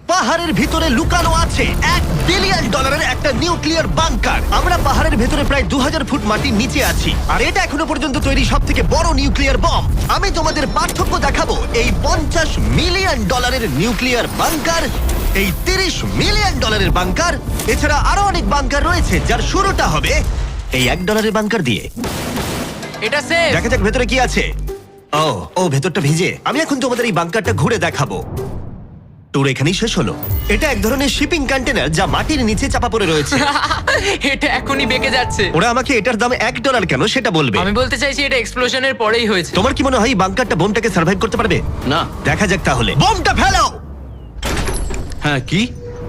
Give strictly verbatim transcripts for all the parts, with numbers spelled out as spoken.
পাহাড়ের ভিতরে লুকানো আছে এক বিলিয়ন ডলারের একটা নিউক্লিয়ার বাংকার। আমরা পাহাড়ের ভেতরে প্রায় দু হাজার ফুট মাটির নিচে আছি, আর এটা এখনো পর্যন্ত তৈরি সব থেকে বড় নিউক্লিয়ার বম। আমি তোমাদের পার্থক্য দেখাবো এই পঞ্চাশ মিলিয়ন ডলারের নিউক্লিয়ার বাংকার, এই তিরিশ মিলিয়ন ডলারের বাংকার, এছাড়া আরো অনেক বাংকার রয়েছে যার শুরুটা হবে এই এক ডলারের বাংকার দিয়ে। এটা সেফ। দেখা যাক ভেতরে কি আছে। ও ও ভেতরটা ভিজে। আমি এখন তোমাদের এই বাংকারটা ঘুরে দেখাবো। ট্যুর এখানেই শেষ হলো। এটা এক ধরনের শিপিং কন্টেনার যা মাটির নিচে চাপা পড়ে রয়েছে। এটা এখনই বেঁকে যাচ্ছে। ওরা আমাকে এটার দাম এক ডলার কেন সেটা বলবে। আমি বলতে চাইছি এটা এক্সপ্লোশনের পরেই হয়েছে। তোমার কি মনে হয় এই বাংকারটা বোমটাকে সার্ভাইভ করতে পারবে? না। দেখা যাক তাহলে। বোমটা ফেলো। হ্যাঁ কি?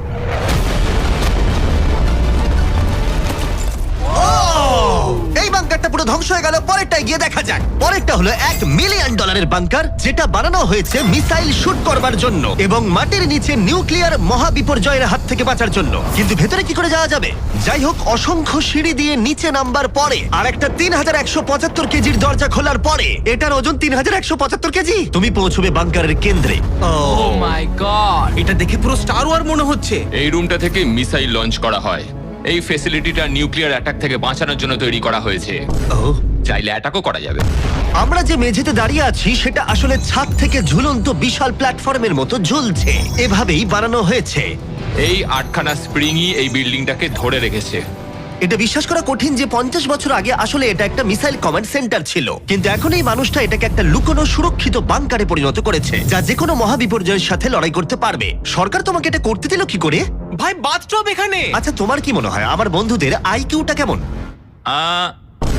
এই বাংকারটা পুরো ধ্বংস হয়ে গেল। পরেরটা গিয়ে দেখা যাক। পরেরটা হলো এক মিলিয়ন ডলারের বাংকার, যেটা বানানো হয়েছে মিসাইল শুট করবার জন্য এবং মাটির নিচে নিউক্লিয়ার মহাবিপর্যয়ের হাত থেকে বাঁচার জন্য। কিন্তু ভেতরে কি করে যাওয়া যাবে? যাই হোক, অসংখ্য সিঁড়ি দিয়ে নিচে নামবার পরে আর একটা তিন হাজার একশো পঁচাত্তর কেজির দরজা খোলার পরে, এটার ওজন তিন হাজার একশো পঁচাত্তর কেজি, তুমি পৌঁছবে বাংকারের কেন্দ্রে। ও মাই গড, এটা দেখে পুরো স্টার ওয়ার মনে হচ্ছে। এই রুমটা থেকে মিসাইল লঞ্চ করা হয়। এই ফ্যাসিলিটিটা নিউক্লিয়ার অ্যাটাক থেকে বাঁচানোর জন্য তৈরি করা হয়েছে। ও, চাইলে অ্যাটাকও করা যাবে। আমরা যে মেঝেতে দাঁড়িয়ে আছি সেটা আসলে ছাদ থেকে ঝুলন্ত বিশাল প্ল্যাটফর্মের মতো ঝুলছে। এভাবেই বানানো হয়েছে। এই আটখানা স্প্রিংই এই বিল্ডিংটাকে ধরে রেখেছে। এটা বিশ্বাস করা কঠিন যে পঞ্চাশ বছর আগে আসলে এটা একটা মিসাইল কমান্ড সেন্টার ছিল, কিন্তু এখন এই মানুষটা এটাকে একটা লুকোনো সুরক্ষিত বাংকারে পরিণত করেছে, যা যে কোনো মহাবিপর্যয়ের সাথে লড়াই করতে পারবে। সরকার তোমাকে এটা করতে দিল কি করে? ভাই বাথটব এখানে। আচ্ছা, তোমার কি মনে হয় আমার বন্ধুদের আইকিউটা কেমন? আহ,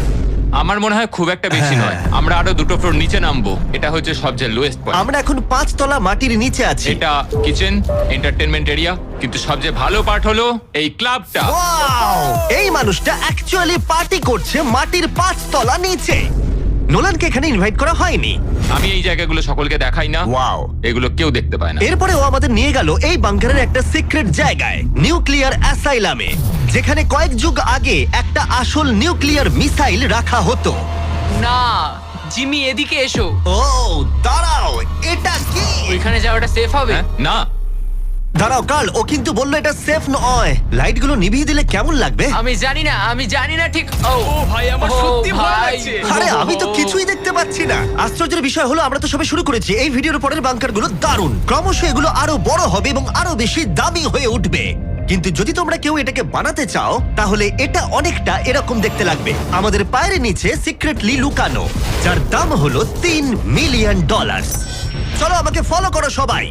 আমার মনে হয় খুব একটা বেশি নয়। আমরা আরো দুটো ফ্লোর নিচে নামবো। এটা হচ্ছে সবচেয়ে লোয়েস্ট পয়েন্ট। আমরা এখন পাঁচ তলা মাটির নিচে আছি। এটা কিচেন, এন্টারটেনমেন্ট এরিয়া, কিন্তু সবচেয়ে ভালো পার্ট হলো এই ক্লাবটা। Wow! এই মানুষটা অ্যাকচুয়ালি পার্টি করছে মাটির পাঁচ তলা নিচে। নোলানকে এখানে ইনভাইট করা হয়নি। আমি এই জায়গাগুলো সকলকে দেখাই না। Wow! এগুলো কেউ দেখতে পায় না। এরপরে ও আমাদের নিয়ে গেল এই বাংকারের একটা সিক্রেট জায়গায়, নিউক্লিয়ার অ্যাসাইলামে, যেখানে কয়েক যুগ আগে একটা আসল নিউক্লিয়ার মিসাইল রাখা হতো। না জিমি এদিকে এসো। ও দাঁড়াও, এটা কি? ওইখানে যাওয়াটা সেফ হবে? হ্যাঁ? না, দাঁড়াও কার্ল, ও কিন্তু বললো এটা সেফ নয়। লাইটগুলো নিভিয়ে দিলে কেমন লাগবে? আমি জানি না, আমি জানি না ঠিক। ও ভাই, আমার ও সত্যি ভয় ভাই। লাগছে। আরে আমি তো কিছুই দেখতে পাচ্ছি না। আশ্চর্যের বিষয় হলো আমরা তো সবে শুরু করেছি। এই ভিডিওর পরের বাংকারগুলো দারুণ। ক্রমশ এগুলো আরো বড় হবে এবং আরো বেশি দামি হয়ে উঠবে। কিন্তু যদি তোমরা কেউ এটাকে বানাতে চাও, তাহলে এটা অনেকটা এরকম দেখতে লাগবে। আমাদের পায়ের নিচে সিক্রেটলি লুকানো, যার দাম হলো তিন মিলিয়ন ডলার। চলো আমাকে ফলো করো সবাই।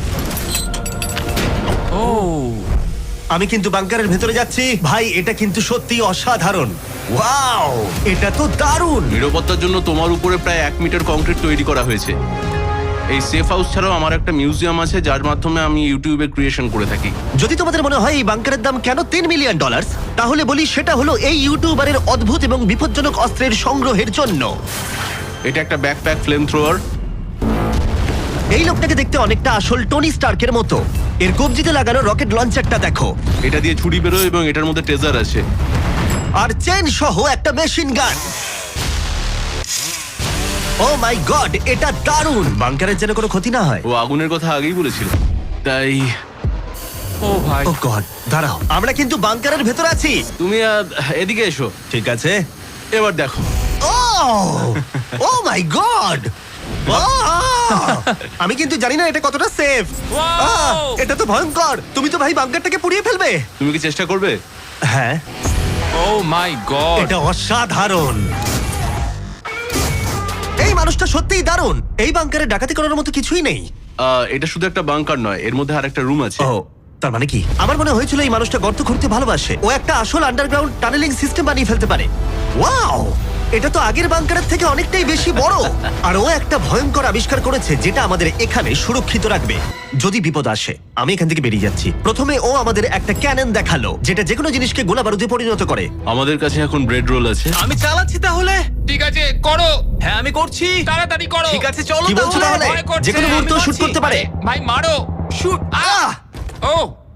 ও আমি কিন্তু বাংকারের ভেতরে যাচ্ছি। ভাই, এটা কিন্তু সত্যি অসাধারণ। ওয়াও, এটা তো দারুণ। নিরাপত্তার জন্য তোমার উপরে প্রায় এক মিটার কংক্রিট তৈরি করা হয়েছে। এই সেফ হাউস ছাড়াও আমার একটা মিউজিয়াম আছে, যার মাধ্যমে আমি ইউটিউবে ক্রিয়েশন করে থাকি। যদি তোমাদের মনে হয় এই বাংকারের দাম কেন তিন মিলিয়ন ডলার, তাহলে বলি সেটা হলো এই ইউটিউবারের অদ্ভুত এবং বিপজ্জনক অস্ত্রের সংগ্রহের জন্য। এটা একটা ব্যাকপ্যাক ফ্লেম থ্রোয়ার। এই লোকটাকে দেখতে অনেকটা আসল টনি স্টার্কের মতো। এর কবজিতে লাগানো রকেট লঞ্চারটা দেখো, এটা দিয়ে ছুরি বেরোয় এবং এটার মধ্যে ট্রেজার আছে। আর চেন সহ একটা machine gun. O my god, এটা দারুণ। বাংকারের যেন কোনো ক্ষতি না হয়। ও আগুনের কথা আগেই বলেছিল, তাই ও ভাই। ও গড, দাঁড়াও, আমরা কিন্তু বাংকারের ভেতর আছি। তুমি আহ, এদিকে এসো। ঠিক আছে। এবার দেখো। ও ও মাই গড, আমি কিন্তু জানি না এটা কতটা সেফ। এটা তো ভয়ঙ্কর। তুমি তো ভাই বাংকারটাকে পুড়িয়ে ফেলবে। তুমি কি চেষ্টা করবে? হ্যাঁ, ও মাই গড। এটা অসাধারণ। এই মানুষটা সত্যিই দারুণ। এই বাংকারে ডাকাতি করার মতো কিছুই নেই। আহ, এটা শুধু একটা বাংকার নয়, এর মধ্যে আর একটা রুম আছে। ও, তার মানে কি? আমার মনে হয়েছিল এই মানুষটা গর্ত খুঁড়তে ভালোবাসে। ও একটা আসল আন্ডারগ্রাউন্ড টানেলিং সিস্টেম বানিয়ে ফেলতে পারে। ওয়াও, এটা তো আগের বাংকারের থেকে অনেকটাই বেশি বড়। আর ও একটা ভয়ঙ্কর আবিষ্কার করেছে যেটা আমাদের এখানে সুরক্ষিত রাখবে যদি বিপদ আসে। আমি এখান থেকে বেরিয়ে যাচ্ছি। প্রথমে ও আমাদের একটা ক্যানন দেখালো, যেটা যেকোনো জিনিসকে গোলা বারুদে পরিণত করে। আমাদের কাছে এখন ব্রেড রোল আছে। আমি চালাচ্ছি তাহলে। ঠিক আছে, করো। হ্যাঁ আমি করছি। তাড়াতাড়ি করো। ঠিক আছে চলো কি বলছো তাহলে? ভয় করছে, যেকোনো আমি মুহূর্তে শুট মারছি। করতে পারে। ভাই মারো। শুট। আহ! ও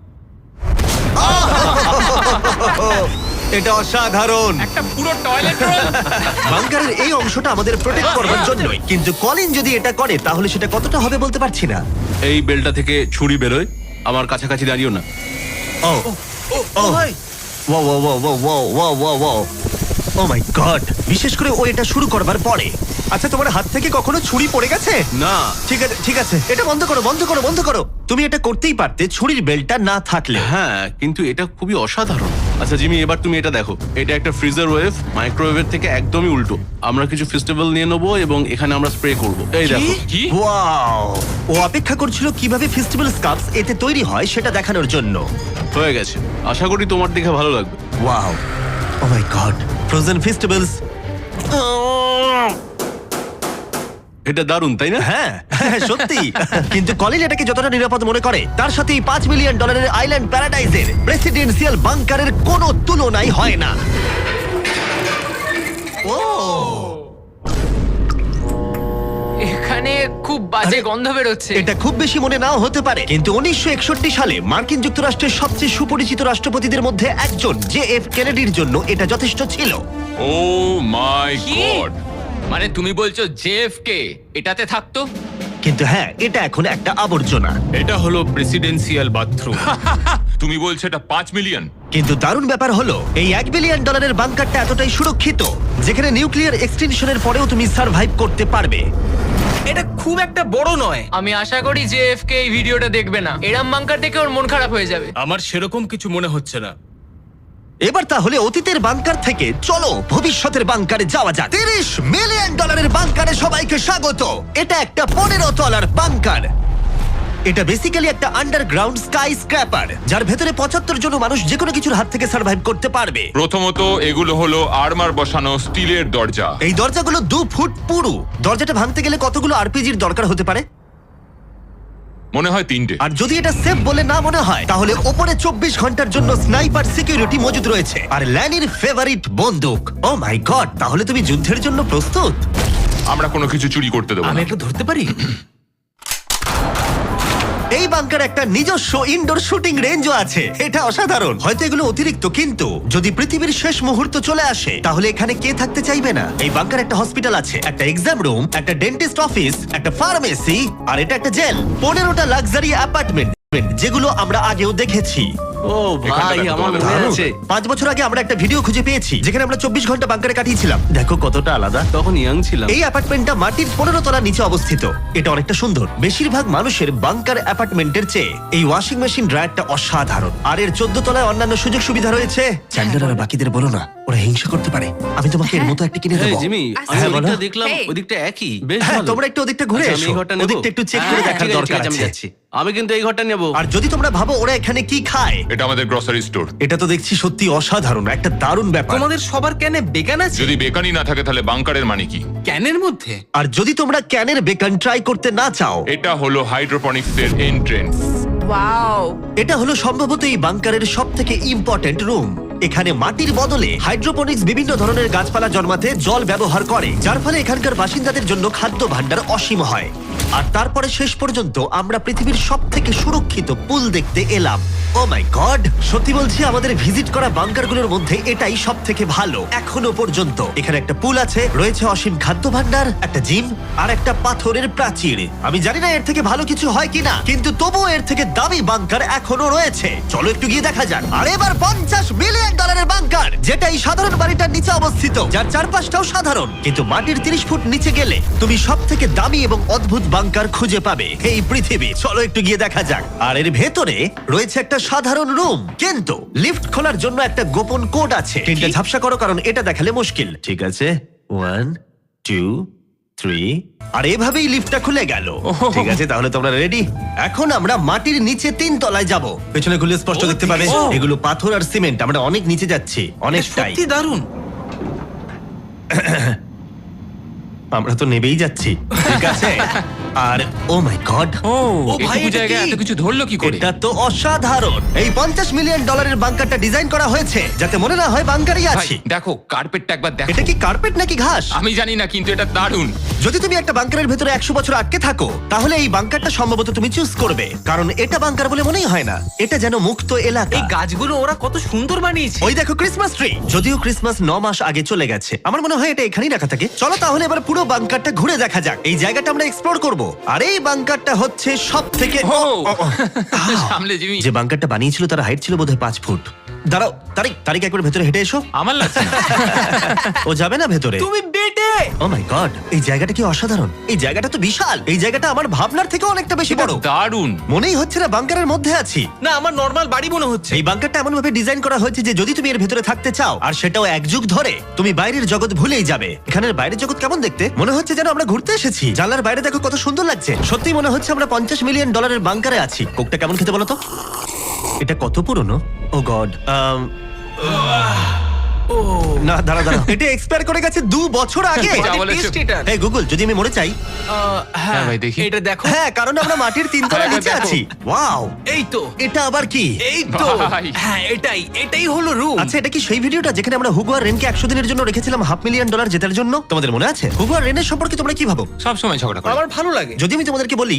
এটা অসাধারণ। একটা পুরো টয়লেট রোল। বাংকারের এই অংশটা আমাদের প্রোটেক্ট করবার জন্যই, কিন্তু কলিন যদি এটা করে তাহলে সেটা কতটা হবে বলতে পারছি না। এই বেলটা থেকে ছুরি বেরোয় আমার কাছাকাছি দাঁড়িও না। ও ও ও ভাই ও ও ও ও ও ও ও ও ও মাই গড, বিশেষ করে ও এটা শুরু করবার পরে। আচ্ছা, তোমার হাত থেকে কখনো ছুরি পড়ে গেছে? না, ঠিক আছে ঠিক আছে, এটা বন্ধ করো বন্ধ করো বন্ধ করো। তুমি এটা করতেই পারতে ছুরির বেল্টটা না থাকলে। হ্যাঁ কিন্তু এটা খুবই অসাধারণ। আচ্ছা জিমি, এবার তুমি এটা দেখো, এটা একটা ফ্রিজার ওয়েভ, মাইক্রোওয়েভের থেকে একদমই উল্টো। আমরা কিছু ফেস্টিভ্যাল নিয়ে নেবো এবং এখানে আমরা স্প্রে করব। এই দেখো। কি? ওয়াও, ও অপেক্ষা করছিল কিভাবে ফেস্টিভ্যাল স্কাপস এতে তৈরি হয় সেটা দেখানোর জন্য। হয়ে গেছে, আশা করি তোমার দেখে ভালো লাগবে। Wow, oh my god, frozen festivals. এটা দারুণ, তাই না? হ্যাঁ হ্যাঁ, সত্যি। কিন্তু কলিন এটাকে যতটা নিরাপদ মনে করে তার সাথে এই পাঁচ মিলিয়ন ডলারের আইল্যান্ড প্যারাডাইজের প্রেসিডেন্সিয়াল বাংকারের কোনো তুলনাই হয় না। ও এখানে খুব বাজে আরে, গন্ধ বেরোচ্ছে। এটা খুব বেশি মনে নাও হতে পারে, কিন্তু উনিশশো একষট্টি সালে মার্কিন যুক্তরাষ্ট্রের সবচেয়ে সুপরিচিত রাষ্ট্রপতিদের মধ্যে একজন জে এফ কেনেডির জন্য এটা যথেষ্ট ছিল। ও মাই কি? গড, মানে তুমি বলছো জেএফকে এটাতে থাকতো? কিন্তু হ্যাঁ, এটা এখন একটা আবর্জনা। এটা হলো প্রেসিডেন্সিয়াল বাথরুম। তুমি বলছো এটা পাঁচ মিলিয়ন? কিন্তু দারুণ ব্যাপার হলো এই এক বিলিয়ন ডলারের বাংকারটা এতটাই সুরক্ষিত যেখানে নিউক্লিয়ার এক্সটেনশনের পরেও তুমি সার্ভাইভ করতে পারবে। এটা খুব একটা বড় নয়। আমি আশা করি যে এফ কে এই ভিডিওটা দেখবে না। এরম বাঙ্কার দেখে ওর মন খারাপ হয়ে যাবে। আমার সেরকম কিছু মনে হচ্ছে না। এবার তাহলে অতীতের বাংকার থেকে চলো ভবিষ্যতের বাংকারে যাওয়া যাক। তিরিশ মিলিয়ন ডলারের বাংকারে সবাইকে স্বাগত। এটা একটা পনেরো তলার বাংকার। এটা বেসিক্যালি একটা আন্ডারগ্রাউন্ড স্কাই স্ক্র্যাপার যার ভেতরে পঁচাত্তর জন মানুষ যে কোনো কিছুর হাত থেকে সার্ভাইভ করতে পারবে। প্রথমত এগুলো হলো আর্মার বসানো স্টিলের দরজা। এই দরজাগুলো দু ফুট পুরু। দরজাটা ভাঙতে গেলে কতগুলো আরপিজির দরকার হতে পারে? মনে হয় তিনটে। আর যদি এটা সেফ বলে না মনে হয় তাহলে ওপরে চব্বিশ ঘন্টার জন্য স্নাইপার সিকিউরিটি মজুদ রয়েছে আর ল্যানির ফেভারিট বন্দুক। ও মাই গড, তাহলে তুমি যুদ্ধের জন্য প্রস্তুত? আমরা কোনো কিছু চুরি করতে দেবো আমি না। একটু ধরতে পারি? এই বাংকার একটা নিজস্ব ইনডোর শুটিং রেঞ্জও আছে। এটা অসাধারণ। হয়তো এগুলো অতিরিক্ত, কিন্তু যদি পৃথিবীর শেষ মুহূর্ত চলে আসে তাহলে এখানে কে থাকতে চাইবে না? এই বাংকার একটা হসপিটাল আছে, একটা এক্সাম রুম, একটা ডেন্টিস্ট অফিস, একটা ফার্মেসি, আর এটা একটা জেল। পনেরোটা লাক্সারি অ্যাপার্টমেন্ট যেগুলো আমরা আগেও দেখেছি। ও ভাই, দেখো, আমার তোমাদের মনে দারুণ। আছে। পাঁচ বছর আগে আমরা একটা ভিডিও খুঁজে পেয়েছি যেখানে আমরা চব্বিশ ঘন্টা বাংকারে কাটিয়েছিলাম। দেখো কতটা আলাদা। তখন ইয়াং ছিলাম। এই অ্যাপার্টমেন্টটা মাটির পনেরো তলা নিচে অবস্থিত। এটা অনেকটা সুন্দর। বেশিরভাগ মানুষের বাংকার অ্যাপার্টমেন্টের চেয়ে এই ওয়াশিং মেশিন ড্রায়ারটা অসাধারণ। আর এর চোদ্দ তলায় অন্যান্য সুযোগ সুবিধা রয়েছে। চ্যান্ডেলার আর বাকিদের বলো না, ওরা হিংসা করতে পারে। আমি তোমাকে এর মতো একটা কিনে এই দেবো। জিমি, আমি হ্যাঁ, ওদিকটা বলো। দেখলাম, Hey. ওদিকটা একই, বেশ হ্যাঁ, ভালো। তোমরা একটু ওদিকটা ঘুরে আচ্ছা, আমি এসো। এই ঘরটা নেবো? ওদিকটা একটু চেক করে হ্যাঁ, দেখার ঠিক আছে, দরকার ঠিক আছে, আমি আছে। যাচ্ছি। আমি কিন্তু এই ঘরটা নেবো। আর যদি তোমরা ভাবো ওরা এখানে কি খায়, এটা আমাদের গ্রসারি স্টোর। এটা তো দেখছি সত্যি অসাধারণ, একটা দারুণ ব্যাপার। তোমাদের সবার ক্যানে বেগান আছে? যদি বেকানি না থাকে তাহলে বাংকারের মানে কি? ক্যানের মধ্যে? আর যদি তোমরা ক্যানের বেকন ট্রাই করতে না চাও, এটা হলো হাইড্রোপনিক্স এর এন্ট্রেন্স। ওয়াও, এটা হলো সম্ভবত এই বাংকারের সব থেকে ইম্পর্টেন্ট রুম। এখানে মাটির বদলে হাইড্রোপনিক্স বিভিন্ন ধরনের গাছপালা জন্মাতে জল ব্যবহার করে, যার ফলে এখানকার বাসিন্দাদের জন্য খাদ্য ভাণ্ডার অসীম হয়। আর তারপরে শেষ পর্যন্ত আমরা পৃথিবীর সব থেকে সুরক্ষিত পুল দেখতে এলাম। ও মাই গড, সত্যি বলছি আমাদের ভিজিট করা বাংকারগুলোর মধ্যে এটাই সব থেকে ভালো এখনো পর্যন্ত। এখানে একটা পুল আছে, রয়েছে অসীম খাদ্য ভাণ্ডার, একটা জিম, আর একটা পাথরের প্রাচীর। আমি জানি না এর থেকে ভালো কিছু হয় কিনা, কিন্তু তবুও এর থেকে দামি বাংকার এখনো রয়েছে। চলো একটু গিয়ে দেখা যাক। আর এবার পঞ্চাশ মিলিয়ন ডলারের বাংকার, যেটা এই সাধারণ বাড়িটার নিচে অবস্থিত, যার চারপাশটাও সাধারণ, কিন্তু মাটির তিরিশ ফুট নিচে গেলে তুমি সব থেকে দামি এবং অদ্ভুত বাংকার খুঁজে পাবে এই পৃথিবী। চলো একটু গিয়ে দেখা যাক। আর এর ভেতরে রয়েছে একটা সাধারণ রুম, কিন্তু লিফট খোলার জন্য একটা গোপন কোড আছে। তিনটা ঝাপসা করো, কারণ এটা দেখালে মুশকিল। ঠিক আছে, ওয়ান টু থ্রি, আর এভাবেই লিফটটা খুলে গেল। ঠিক আছে, তাহলে তোমরা রেডি? এখন আমরা মাটির নিচে তিন তলায় যাব। পেছনে খুলে স্পষ্ট দেখতে পাবে ও। এগুলো পাথর আর সিমেন্ট। আমরা অনেক নিচে যাচ্ছি, এটা অনেকটাই। সত্যি দারুণ। আমরা তো নেবেই যাচ্ছি। ঠিক আছে, আর ও মাই গড, ও ভাই, এইটুকু এটা জায়গায় কি? এত কিছু ধরলো কি করে? এটা তো অসাধারণ। এই পঞ্চাশ মিলিয়ন ডলারের বাংকারটা ডিজাইন করা হয়েছে যাতে মনে না হয় বাংকারই ভাই আছি। দেখো, কার্পেটটা একবার দেখো। এটা কি কার্পেট নাকি ঘাস? আমি জানি না, কিন্তু এটা দারুণ। যদি তুমি একটা বাংকারের ভেতরে একশো বছর আটকে থাকো তাহলে এই বাংকারটা সম্ভবত তুমি চুজ করবে, কারণ এটা বাংকার বলে মনেই হয় না। এটা যেন মুক্ত এলাকা। এই গাছগুলো ওরা কত সুন্দর বানিয়েছে। ওই দেখো ক্রিসমাস ট্রি। যদিও ক্রিসমাস ন মাস আগে চলে গেছে, আমার মনে হয় এটা এখানেই রাখা থাকে। চলো তাহলে এবার পুরো বাংকারটা ঘুরে দেখা যাক। এই জায়গাটা আমরা এক্সপ্লোর করব। আর এই বাংকারটা হচ্ছে সব থেকে ও সামলে জিমি। যে বাংকারটা বানিয়েছিল তার হাইট ছিল বোধহয় পাঁচ ফুট। দাঁড়াও তারিক তারিক একবার ভেতরে হেঁটে এসো। আমার লাগছে না। ও যাবে না ভেতরে? তুমি বেটে ও মাই গড, এই জায়গাটা কি অসাধারণ! এই জায়গাটা তো বিশাল। এই জায়গাটা আমার ভাবনার থেকে অনেকটা বেশি বড়। দারুণ। মনেই হচ্ছে না বাংকারের মধ্যে আছি। না আমার নর্মাল বাড়ি মনে হচ্ছে। এই বাংকারটা এমন ভাবে ডিজাইন করা হয়েছে যে যদি তুমি এর ভেতরে থাকতে চাও আর সেটাও এক যুগ ধরে, তুমি বাইরের জগৎ ভুলেই যাবে। এখানের বাইরের জগৎ কেমন দেখতে? মনে হচ্ছে যেন আমরা ঘুরতে এসেছি। জানলার বাইরে দেখো কত সুন্দর লাগছে। সত্যি মনে হচ্ছে আমরা পঞ্চাশ মিলিয়ন ডলারের বাংকারে আছি। কোকটা কেমন খেতে বলো তো? এটা কত পুরনো? Oh god. না দাঁড়া দাঁড়া, এটা এক্সপায়ার করে গেছে দু বছর আগে। যা বলেছো। টেস্ট এটা। এই গুগল, যদি আমি মরে চাই? আহ, হ্যাঁ হ্যাঁ ভাই, দেখি। এটা দেখো। হ্যাঁ, কারণ আমরা মাটির তিনতলা হ্যাঁ, নিচে দেখো। আছি। ওয়াও, এই তো এটা আবার কি? এই তো ভাই। হ্যাঁ এটাই এটাই হলো রুম। আচ্ছা, এটা কি সেই ভিডিওটা যেখানে আমরা হুগো আর রেনকে একশো দিনের জন্য রেখেছিলাম হাফ মিলিয়ন ডলার জেতার জন্য? তোমাদের মনে আছে? হুগো আর রেনের সম্পর্কে তোমরা কি ভাবো? সব সময় ঝগড়া করে। আমার ভালো লাগে। যদি আমি তোমাদেরকে বলি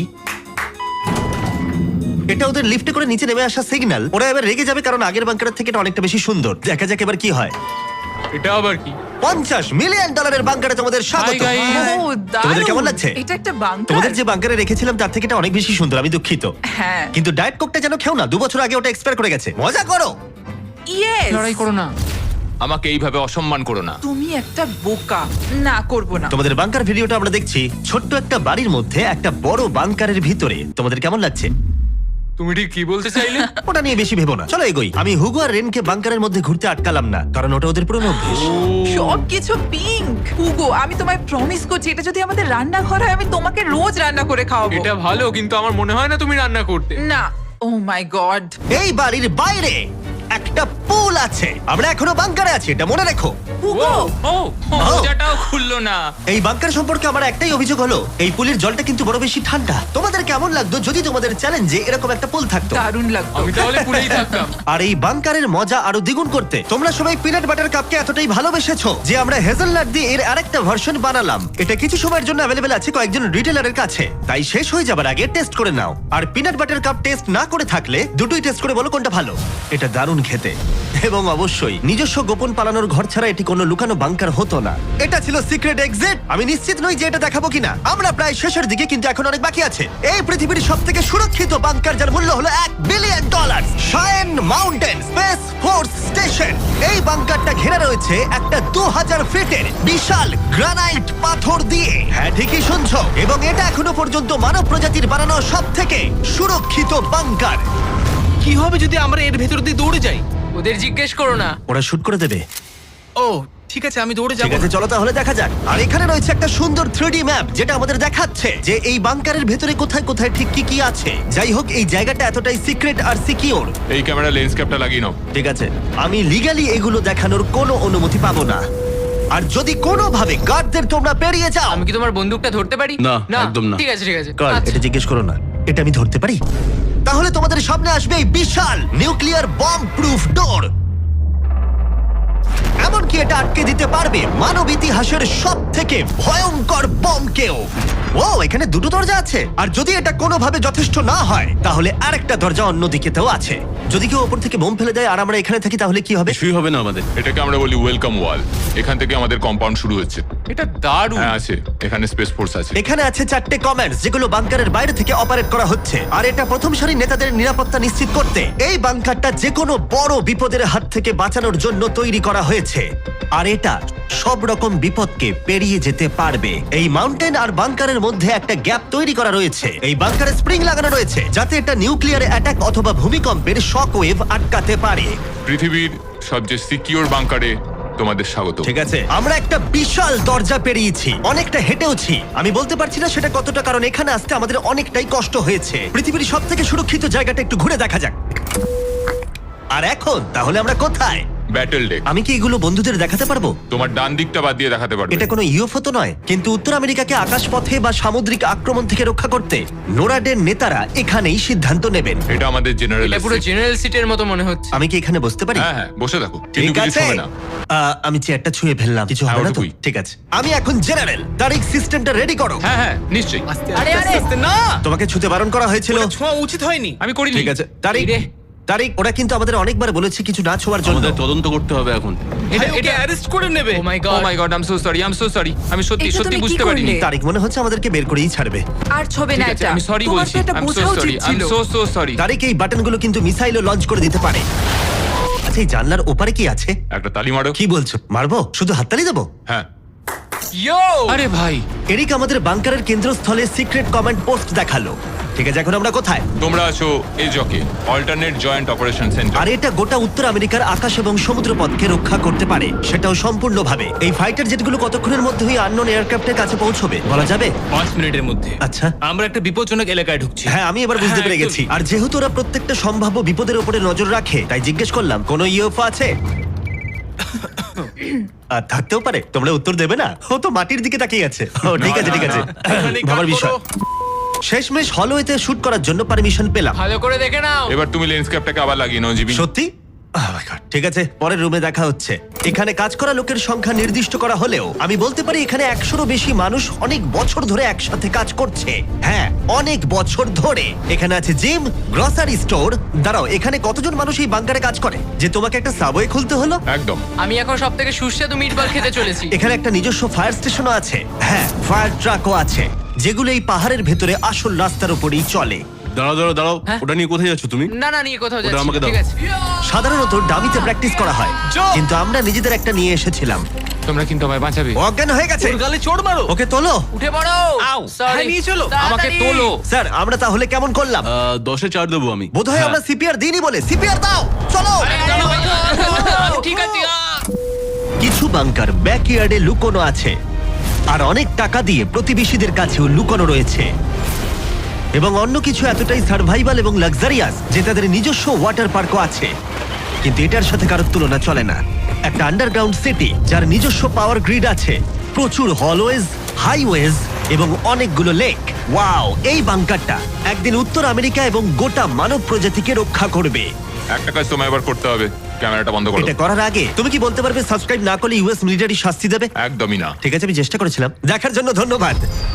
এটা ওদের লিফটে করে নিচে নেমে আসা সিগন্যাল, ওরা এবার রেগে যাবে কারণ আগের বাংকারের থেকে এটা অনেকটা বেশি সুন্দর। দেখা যাক এবার কি হয়। এটা আবার কি? পঞ্চাশ মিলিয়ন ডলারের বাংকারে তোমাদের স্বাগত। Hi, guys. ও, দারুণ। তোমাদের কেমন লাগছে? এটা একটা বাংকার। তোমাদের যে বাংকারে রেখেছিলাম তার থেকে এটা অনেক বেশি সুন্দর, আমি দুঃখিত। হ্যাঁ। কিন্তু ডায়েট কোকটা যেন খেও না, দু বছর আগে ওটা এক্সপায়ার করে গেছে। মজা করো। ইয়েস। লড়াই করো না, আমাকে এইভাবে অসম্মান করো না। তুমি একটা বোকা। না, করব না। তোমাদের বাংকার ভিডিওটা আমরা দেখছি। ছোট্ট একটা বাড়ির মধ্যে একটা বড় বাংকারের ভিতরে। তোমাদের কেমন লাগছে? তুমি ঠিক কি বলতে চাইলে? ওটা নিয়ে বেশি ভেবো না, চলো এগোই। আমি হুগো আর রেনকে বাংকারের মধ্যে ঘুরতে আটকালাম না, কারণ ওটা ওদের পুরনো অভ্যেস। সবকিছু পিঙ্ক। হুগো, আমি তোমায় প্রমিস করছি এটা যদি আমাদের রান্নাঘর হয় আমি তোমাকে রোজ রান্না করে খাওয়াবো। এটা ভালো, কিন্তু আমার মনে হয় না তুমি রান্না করতে। না। Oh my god. এই বাড়ির বাইরে একটা পুল আছে। আমরা এখনো বাংকারে আছি, এটা মনে রেখো। হুগো, ও মজাটাও খুললো না। এই বাংকার সম্পর্কে আমার একটাই অভিযোগ হলো, এই পুলের জলটা কিন্তু বড় বেশি ঠান্ডা। তোমাদের কেমন লাগতো যদি তোমাদের চ্যালেঞ্জে এরকম একটা পুল থাকতো? দারুণ লাগতো। আমি তাহলে পুরেই থাকতাম। আর এই বাংকারের মজা আরো দ্বিগুণ করতে তোমরা সবাই পিনাট বাটার কাপকে এতটাই ভালোবেসেছো যে আমরা হেজেলনাট দিয়ে এর আরেকটা ভার্সন বানালাম। এটা কিছু সময়ের জন্য অ্যাভেলেবেল আছে কয়েকজন রিটেলারের কাছে, তাই শেষ হয়ে যাবার আগে টেস্ট করে নাও। আর পিনাট বাটার কাপ টেস্ট না করে থাকলে দুটোই টেস্ট করে বলো কোনটা ভালো। এটা দারুণ খেতে, এবং অবশ্যই নিজস্ব গোপন পালানোর ঘর ছাড়া এটি কোনো লুকানো বাংকার হতো না। এটা ছিল সিক্রেট এক্সিট। আমি নিশ্চিত নই যে এটা দেখাবো কিনা। আমরা প্রায় শেষের দিকে, কিন্তু এখন অনেক বাকি আছে। এই পৃথিবীর সব থেকে সুরক্ষিত বাংকার, যার মূল্য হলো এক billion dollar, Cheyenne Mountain Space Force Station. এই বাংকারটা ঘেরা রয়েছে একটা দু হাজার ফিটের বিশাল গ্রানাইট পাথর দিয়ে। হ্যাঁ, ঠিকই শুনছো। এবং এটা এখনো পর্যন্ত মানব প্রজাতির বানানো সব থেকে সুরক্ষিত বাংকার। কি হবে যদি আমরা এর ভেতর দিয়ে দৌড়ে যাই? ওদের জিজ্ঞেস করো না। ওরা শুট করে দেবে। ও ঠিক আছে, আমি দৌড়ে ঠিক যাবো। আছে, চলো তাহলে দেখা যাক। আর এখানে রয়েছে একটা সুন্দর থ্রি ডি ম্যাপ যেটা আমাদের দেখাচ্ছে যে এই বাংকারের ভেতরে কোথায় কোথায় ঠিক কি কি আছে। যাই হোক, এই জায়গাটা এতটাই সিক্রেট আর সিকিউর। এই ক্যামেরা লেন্স ক্যাপটা লাগিয়ে নাও। ঠিক আছে, আমি লিগ্যালি এগুলো দেখানোর কোনো অনুমতি পাবো না। আর যদি কোনোভাবে গার্ডদের তোমরা পেরিয়ে যাও, আমি কি তোমার বন্দুকটা ধরতে পারি? না, একদম না। ঠিক আছে ঠিক আছে। গার্ড, আচ্ছা। এটা জিজ্ঞেস করো না। এটা আমি ধরতে পারি? তাহলে তোমাদের সামনে আসবে এই বিশাল নিউক্লিয়ার বম্ব প্রুফ ডোর। এমনকি এটা আটকে দিতে পারবে মানব ইতিহাসের সব থেকে ভয়ঙ্কর বমকেও। ও, এখানে দুটো দরজা আছে। আর যদি এটা কোনোভাবে যথেষ্ট না হয় তাহলে আরেকটা দরজা অন্যদিকেতেও আছে। যদি কেউ ওপর থেকে বোম ফেলে দেয় আর আমরা এখানে থাকি তাহলে কি হবে? কিছুই হবে না আমাদের। এটাকে আমরা বলি ওয়েলকাম ওয়াল। এখান থেকে আমাদের কম্পাউন্ড শুরু হচ্ছে। এটা দারুণ। হ্যাঁ আছে, এখানে স্পেস ফোর্স আছে। এখানে আছে চারটে কমান্ডস যেগুলো বাংকারের বাইরে থেকে অপারেট করা হচ্ছে। আর এটা প্রথম সারির নেতাদের নিরাপত্তা নিশ্চিত করতে এই বাংকারটা যে কোনো বড় বিপদের হাত থেকে বাঁচানোর জন্য তৈরি করা হয়েছে। আর এটা সব রকম বিপদকে পেরিয়ে যেতে পারবে। এই মাউন্টেন আর বাংকারের মধ্যে একটা গ্যাপ তৈরি করা রয়েছে। এই বাংকারে স্প্রিং লাগানো রয়েছে যাতে এটা নিউক্লিয়ার অ্যাটাক অথবা ভূমিকম্পের শক ওয়েভ আটকাতে পারে। পৃথিবীর সবচেয়ে সিকিউর বাংকারে তোমাদের স্বাগত। ঠিক আছে, আমরা একটা বিশাল দরজা পেরিয়েছি, অনেকটা হেঁটেওছি। আমি বলতে পারছি না সেটা কতটা, কারণ এখানে আসতে আমাদের অনেকটাই কষ্ট হয়েছে। পৃথিবীর সব থেকে সুরক্ষিত জায়গাটা একটু ঘুরে দেখা যাক। আর এখন তাহলে আমরা কোথায়? Battle deck. আমি কি এগুলো বন্ধুদের দেখাতে পারবো? তোমার ডান দিকটা বাদ দিয়ে দেখাতে পারবে। এটা কোনো ইউএফও তো নয়, কিন্তু উত্তর আমেরিকাকে আকাশপথে বা সামুদ্রিক আক্রমণ থেকে রক্ষা করতে নোরাডের নেতারা এখানেই সিদ্ধান্ত নেবেন। এটা আমাদের জেনারেল। এটা পুরো জেনারেল সিটের মতো মনে হচ্ছে। আমি কি এখানে বসতে পারি? হ্যাঁ হ্যাঁ, বসে থাকো। কিন্তু ঠিক কিছু আছে। হবে না। আহ, আমি চেয়ারটা ছুঁয়ে ফেললাম, কিছু হ্যাঁ, হবে না তো? ওটুকুই। ঠিক আছে, আমি এখন জেনারেল। তারিখ সিস্টেমটা রেডি করো। হ্যাঁ হ্যাঁ, নিশ্চয়ই। আস্তে আরে, আস্তে আরে। আস্তে না, তোমাকে ছুতে বারণ করা হয়েছিল। ওটা ছোঁয়া উচিত হয়নি। আমি করিনি। ঠিক আছে, তারিখ এই রে। তারিক, ওরা কিন্তু আমাদের অনেকবার বলেছে কিছু না ছোঁয়ার জন্য। আমাদের তদন্ত করতে হবে এখন। ভাই, ওকে অ্যারেস্ট করে নেবে। Oh my oh god my god, I am so sorry, I am so sorry. আমি সত্যি এটা সত্যি তুমি কি বুঝতে পারিনি। করলে? তারিক, মনে হচ্ছে আমাদেরকে বের করেই ছাড়বে। আর ছবে ঠিক না আছে, এটা আমি সরি তোমার বলছি। তো এটা আই এম সো বোঝা সরি, উচিত আই এম ছিল। So so sorry. তারিক, এই বাটনগুলো কিন্তু মিসাইলও লঞ্চ করে দিতে পারে। আচ্ছা, এই জানলার ওপারে কি আছে? একটা তালি মারো। কি বলছো, মারবো? শুধু হাততালি দেবো? হ্যাঁ। ইয়ো আরে ভাই, এরিক আমাদের বাংকারের কেন্দ্রস্থলে সিক্রেট কমান্ড পোস্ট দেখালো। ঠিক আছে, এখন আমরা কোথায়? তোমরা আছো এজকে, অল্টারনেট জয়েন্ট অপারেশন সেন্টার। আর এটা গোটা উত্তর আমেরিকার আকাশ এবং সমুদ্রপথকে রক্ষা করতে পারে, সেটাও সম্পূর্ণভাবে। এই ফাইটার জেটগুলো কতক্ষণের মধ্যেই আননোন এয়ারক্রাফটের কাছে পৌঁছবে বলা যাবে? পাঁচ মিনিটের মধ্যে। আচ্ছা। আমরা একটা বিপজ্জনক এলাকায় ঢুকছি। হ্যাঁ, আমি এবার বুঝতে হ্যাঁ, পেরে গেছি। আর যেহেতু ওরা প্রত্যেকটা সম্ভাব্য বিপদের উপরে নজর রাখে, তাই জিজ্ঞেস করলাম কোনো ইউএফও আছে। আর থাকতেও পারে, তোমরা উত্তর দেবে না? ও তো মাটির দিকে তাকিয়ে আছে। ও ঠিক আছে, ঠিক আছে, এখানে কাট ভাবার বিষয়। করো। শেষমেশ হলওয়েতে শুট করার জন্য পারমিশন পেলাম। ভালো করে দেখে নাও। এবার তুমি লেন্স ক্যাপটাকে আবার লাগিয়ে নাও জিবি। সত্যি? Oh my God, ঠিক আছে, পরের রুমে দেখা হচ্ছে। এখানে কাজ করা লোকের সংখ্যা নির্দিষ্ট করা হলেও আমি বলতে পারি এখানে একশোরও বেশি মানুষ অনেক বছর ধরে একসাথে কাজ করছে। হ্যাঁ, অনেক বছর ধরে। এখানে আছে জিম, গ্রসারি স্টোর। দাঁড়াও, এখানে কতজন মানুষ এই বাংকারে কাজ করে যে তোমাকে একটা সাবওয়ে খুলতে হলো? একদম। আমি এখন সব থেকে সুস্বাদু মিটবল খেতে চলেছি। এখানে একটা নিজস্ব ফায়ার স্টেশনও আছে। হ্যাঁ, ফায়ার ট্রাকও আছে, যেগুলো এই পাহাড়ের ভেতরে আসল রাস্তার উপরেই চলে। দাঁড়াও দাঁড়াও দাঁড়াও, হ্যাঁ? ওটা নিয়ে কোথায় যাচ্ছ তুমি? না না নিয়ে কোথাও ওটা যাচ্ছি আমাকে না, দাও। ঠিক আছে। সাধারণত ডামিতে প্র্যাকটিস করা হয়, কিন্তু আমরা নিজেদের একটা নিয়ে এসেছিলাম। তোমরা কিন্তু আমায় বাঁচাবে। ও অজ্ঞান হয়ে গেছে। ওর গালে চড় মারো। ওকে তোলো। উঠে পড়ো। আউ, Sorry, হ্যাঁ, নিয়ে চলো। আমাকে তাড়াতাড়ি। তোলো। স্যার, আমরা তাহলে কেমন করলাম? আহ, দশে চার দেবো আমি। বোধহয় আমরা সিপিআর দিইনি বলে। সিপিআর দাও, চলো। আরে, আমি ঠিক আছে আহ। কিছু বাংকার ব্যাকইয়ার্ডে লুকোনো আছে, আর অনেক টাকা দিয়ে প্রতিবেশীদের কাছেও লুকোনো রয়েছে। এবং অন্য কিছু এতটাই সার্ভাইভাল এবং লাক্সারিয়াস যে তাদের নিজস্ব ওয়াটার পার্কও আছে। কিন্তু এটার সাথে কারোর তুলনা চলে না। একটা আন্ডারগ্রাউন্ড সিটি যার নিজস্ব পাওয়ার গ্রিড আছে, প্রচুর হলওয়েজ, হাইওয়েজ এবং অনেকগুলো লেক। ওয়াও, এই বাংকারটা একদিন উত্তর আমেরিকা এবং গোটা মানব প্রজাতিকে রক্ষা করবে। একটা কাজ তোমায় এবার করতে হবে, ক্যামেরাটা বন্ধ করো। এটা করার আগে তুমি কি বলতে পারবে সাবস্ক্রাইব না করলে ইউএস মিলিটারি শাস্তি দেবে? একদমই না। ঠিক আছে, আমি চেষ্টা করেছিলাম। দেখার জন্য ধন্যবাদ।